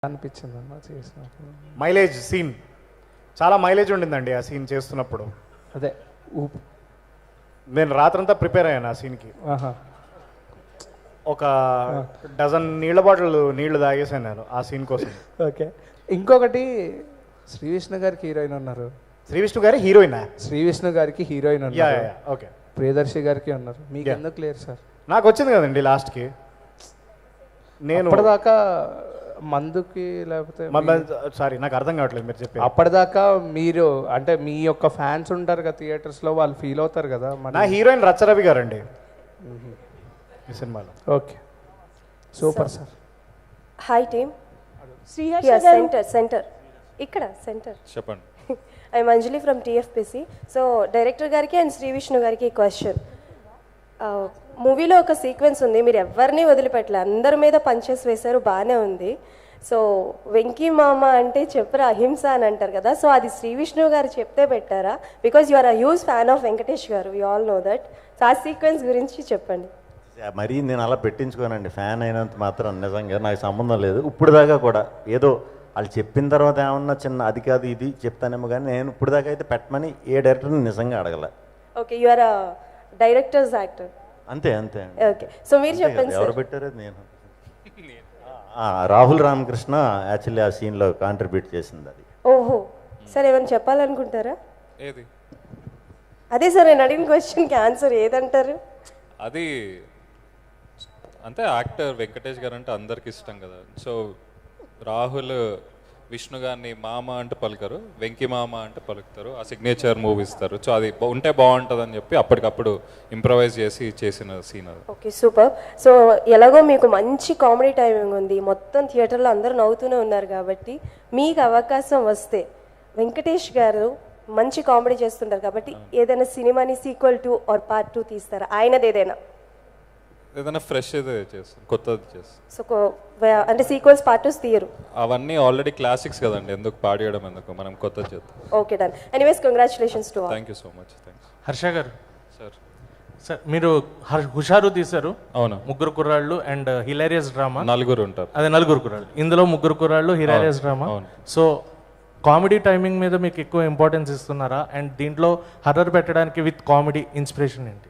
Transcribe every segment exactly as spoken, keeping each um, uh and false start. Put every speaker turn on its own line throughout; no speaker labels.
అనిపించింది అన్న చేసినప్పుడు.
మైలేజ్ సీన్ చాలా మైలేజ్ ఉండిందండి ఆ సీన్ చేస్తున్నప్పుడు.
అదే ఊపు.
నేను రాత్రంతా ప్రిపేర్ అయ్యాను ఆ సీన్కి.
ఆహా.
ఒక డజన్ నీళ్ళ బాటిల్ నీళ్లు తాగేసాను నేను ఆ సీన్ కోసం.
ఓకే. ఇంకొకటి శ్రీ విష్ణు గారికి హీరోయిన్ ఉన్నారు.
శ్రీ విష్ణు గారి హీరోయినా?
శ్రీ విష్ణు గారికి హీరోయిన్
యా
ఉన్నారు.
Yeah okay.
ప్రియదర్శి గారికి ఉన్నారు. మీకు
Yeah.
ఎందుకు లేరు సార్?
నాకు వచ్చింది కదండి లాస్ట్కి. నేను
అప్పటిదాకా మందుకి లేకపోతే
సారీ నాకు అర్థం కావట్లేదు మీరు చెప్పి.
అప్పటిదాకా మీరు అంటే మీ యొక్క ఫ్యాన్స్ ఉంటారు కదా థియేటర్స్ లో, వాళ్ళు ఫీల్ అవుతారు కదా.
నా హీరోయిన్ రచ్చరవి గారండి ఈ సినిమాలో.
Okay super sir.
Hi team.
Sriharsha గారు
సెంటర్ సెంటర్ ఇక్కడ సెంటర్
చెప్పండి.
I Anjali from TFPC. So director గారికి అండ్ శ్రీ విష్ణు గారికి క్వశ్చన్. మూవీలో ఒక సీక్వెన్స్ ఉంది, మీరు ఎవరిని వదిలిపెట్టలే, అందరి మీద పంచెస్ వేశారు, బాగానే ఉంది. సో వెంకీ మామ అంటే చెప్పరా అహింస అని అంటారు కదా, సో అది శ్రీ విష్ణు గారు చెప్తే పెట్టారా? Because you are a huge fan of Venkatesh గారు, we all know that. So uh sequence గురించి చెప్పండి.
మరీ నేను అలా పెట్టించుకోనండి, ఫ్యాన్ అయినంత మాత్రం నిజంగా నాకు సంబంధం లేదు. ఇప్పుడు దాకా కూడా ఏదో వాళ్ళు చెప్పిన తర్వాత ఏమన్నా చిన్న అది కాదు ఇది చెప్తానేమో, కానీ నేను ఇప్పుడు దాకా అయితే పెట్టమని ఏ డైరెక్టర్ని నిజంగా అడగల.
Okay, you are a director's actor.
అంతే అంతే
ఓకే, సో మీరు చెప్పండి
ఎవరు
సార్.
పెట్టారు నేను ఆ, రాహుల్ రామకృష్ణ యాక్చువల్లీ ఆ సీన్లో కాంట్రిబ్యూట్ చేసింది అది.
ఓహో, సార్ ఏమైనా చెప్పాలనుకుంటారా?
ఏది
అదే సార్ నేను అడిగిన క్వశ్చన్కి ఆన్సర్ ఏదంటారు?
అది అంతే, యాక్టర్ వెంకటేష్ గారు అంటే అందరికి ఇష్టం కదా. సో రాహుల్ విష్ణు గారిని మామ అంటే పలుకరు, వెంకీ మామ అంటే పలుకుతారు, ఆ సిగ్నేచర్ మూవీ ఇస్తారు. సో అది ఉంటే బాగుంటుంది అని చెప్పి అప్పటికప్పుడు ఇంప్రవైజ్ చేసి చేసిన సీన్ అది.
Okay super. సో ఎలాగో మీకు మంచి కామెడీ టైమింగ్ ఉంది, మొత్తం థియేటర్లో అందరూ నవ్వుతూనే ఉన్నారు కాబట్టి మీకు అవకాశం వస్తే వెంకటేష్ గారు మంచి కామెడీ చేస్తుంటారు కాబట్టి ఏదైనా సినిమాని sequel two or part two తీస్తారా? ఆయనది ఏదైనా
ఏదైనా ఫ్రెష్ అయితే చేస్తాం, కొత్తది చేస్తాం.
సో అంటే సీక్వెల్స్ పార్ట్ టూస్ తీయరు?
అవన్నీ ఆల్రెడీ క్లాసిక్స్ కదండి, ఎందుకు పాడేయడం, ఎందుకు, మనం కొత్తది చేద్దాం.
Okay done. Anyways congratulations to all.
Thank you so much. Thanks
Harsha గారు.
సార్.
సార్ మీరు హర్- హుషారు తీశారు.
అవును,
ముగ్గురు కుర్రాళ్ళు అండ్ హిలారియస్ డ్రామా.
నలుగురు ఉంటారు.
అదే నలుగురు కుర్రాళ్ళు, ఇందులో ముగ్గురు కుర్రాళ్ళు హిలారియస్ డ్రామా.
అవును.
సో కామెడీ టైమింగ్ మీద మీకు ఎక్కువ ఇంపార్టెన్స్ ఇస్తున్నారా? అండ్ దీంట్లో హర్రర్ పెట్టడానికి విత్ కామెడీ ఇన్స్పిరేషన్ ఏంటి?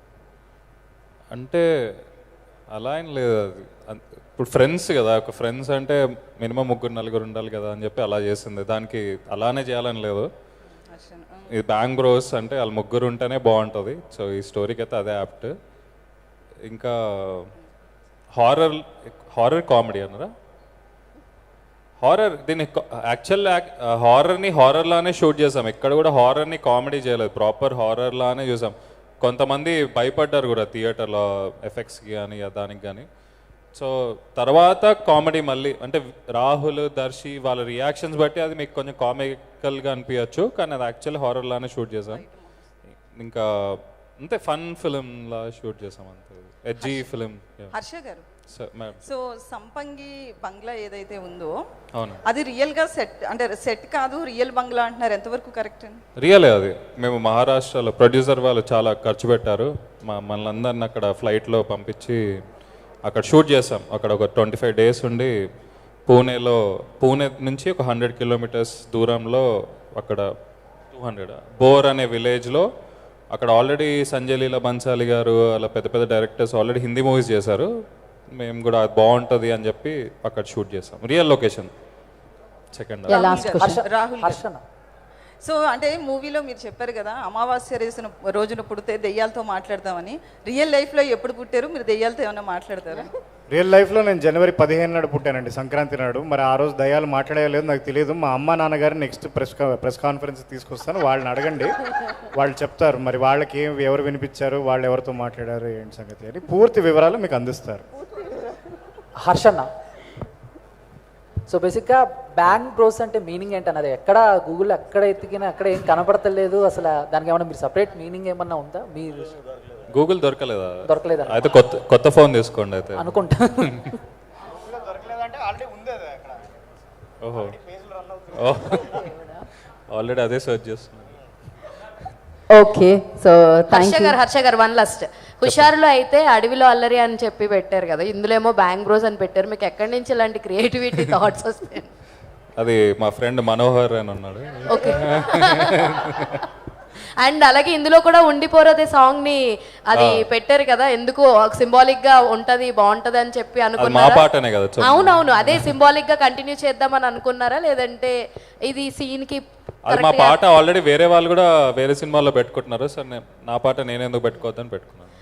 అంటే అలా ఏం లేదు, అది అన్- ఇప్పుడు ఫ్రెండ్స్ కదా, ఒక ఫ్రెండ్స్ అంటే మినిమం ముగ్గురు నలుగురు ఉండాలి కదా అని చెప్పి అలా చేసింది. దానికి అలానే చేయాలని లేదు. ఇది బ్యాంగ్ బ్రోస్ అంటే వాళ్ళు ముగ్గురు ఉంటేనే బాగుంటుంది. సో ఈ స్టోరీకి అయితే అదే యాప్ట్. ఇంకా హారర్ హారర్ కామెడీ అన్నారా? హారర్ దీన్ని యాక్చువల్ హారర్ని హారర్లానే షూట్ చేసాం, ఎక్కడ కూడా హారర్ని కామెడీ చేయలేదు, ప్రాపర్ హారర్లానే చూసాం. కొంతమంది భయపడ్డారు కూడా థియేటర్లో ఎఫెక్ట్స్కి కానీ దానికి కానీ. సో తర్వాత కామెడీ మళ్ళీ అంటే రాహుల్ దర్శి వాళ్ళ రియాక్షన్స్ బట్టి అది మీకు కొంచెం కామికల్గా అనిపించచ్చు, కానీ అది యాక్చువల్లీ హారర్లానే షూట్ చేసాం. ఇంకా అంతే ఫన్ ఫిలింలా షూట్ చేసాం, అంతే ఎడ్జీ ఫిలిం.
హర్ష గారు,
మేడం.
సో సంపంగి బంగ్లా ఏదైతే ఉందో
అవును,
అది రియల్ గా సెట్ అంటే సెట్ కాదు, రియల్ బంగ్లా అంటున్నారు, ఎంతవరకు కరెక్ట్ అండి?
రియలే అది. మేము మహారాష్ట్రలో ప్రొడ్యూసర్ వాళ్ళు చాలా ఖర్చు పెట్టారు, మా మనల్ని అక్కడ ఫ్లైట్లో పంపించి అక్కడ షూట్ చేసాం. అక్కడ ఒక ట్వంటీ ఫైవ్ డేస్ ఉండి పూణేలో, పూణే నుంచి ఒక హండ్రెడ్ కిలోమీటర్స్ దూరంలో అక్కడ టూ హండ్రెడ్ బోర్ అనే విలేజ్లో అక్కడ ఆల్రెడీ సంజయ్ లీలా బన్సాలి గారు అలా పెద్ద పెద్ద డైరెక్టర్స్ ఆల్రెడీ హిందీ మూవీస్ చేశారు. మేము కూడా అది బాగుంటుంది అని చెప్పి అక్కడ షూట్ చేసాం, రియల్ లొకేషన్. సెకండ్
రాహుల్ గారు. సో అంటే మూవీలో మీరు చెప్పారు కదా అమావాస్య రేసిన రోజున పుడితే దెయ్యాలతో మాట్లాడతామని, రియల్ లైఫ్లో ఎప్పుడు పుట్టారు మీరు? దెయ్యాలతో ఏమైనా మాట్లాడతారా?
రియల్ లైఫ్లో నేను జనవరి పదిహేను నాడు పుట్టానండి, సంక్రాంతి నాడు. మరి ఆ రోజు దయ్యాలు మాట్లాడలేదు నాకు తెలియదు. మా అమ్మ నాన్నగారు నెక్స్ట్ ప్రెస్ ప్రెస్ కాన్ఫరెన్స్ తీసుకొస్తాను, వాళ్ళని అడగండి, వాళ్ళు చెప్తారు మరి వాళ్ళకి ఏం ఎవరు వినిపించారు, వాళ్ళు ఎవరితో మాట్లాడారు ఏంటి సంగతి అని పూర్తి వివరాలు మీకు అందిస్తారు.
హర్షన్న, సో బేసిక్గా బ్యాంగ్ బ్రోస్ అంటే మీనింగ్ ఏంటన్నది ఎక్కడ గూగుల్ ఎక్కడ ఎత్తికినా అక్కడ ఏం కనపడతలేదు. అసలు దానికి ఏమన్నా మీరు సపరేట్ మీనింగ్ ఏమన్నా ఉందా? మీరు
గూగుల్ దొరకలేదా?
దొరకలేదా?
అయితే కొత్త కొత్త ఫోన్ తీసుకోండి అయితే
అనుకుంటా.
ఓహో, ఆల్రెడీ అదే సర్చ్ చేస్తున్నాను.
ఓకే, సో హర్ష గారు హర్ష గారు వన్ లాస్ట్. హుషారులో అయితే అడవిలో అల్లరి అని చెప్పి పెట్టారు కదా, ఇందులో ఏమో బ్యాంగ్ బ్రోస్ అని పెట్టారు. మీకు ఎక్కడి నుంచి ఇలాంటి క్రియేటివిటీ థాట్స్ వస్తాయి?
అది మా ఫ్రెండ్ మనోహర్ అని ఉన్నాడు.
ఓకే. అండ్ అలాగే ఇందులో కూడా ఉండిపోరదే సాంగ్ ని అది పెట్టారు కదా, ఎందుకు సింబాలిక్ గా ఉంటది బాగుంటది అని చెప్పి
మా
అనుకున్నారా?
పాటనే కదా.
అవునవును, అదే సింబాలిక్ గా కంటిన్యూ చేద్దామని అనుకున్నారా, లేదంటే ఇది సీన్ కి
అది మా పాట ఆల్రెడీ వేరే వాళ్ళు కూడా వేరే సినిమాల్లో పెట్టుకుంటున్నారు. సార్ నా పాట నేను ఎందుకు పెట్టుకోవద్దని పెట్టుకున్నాను.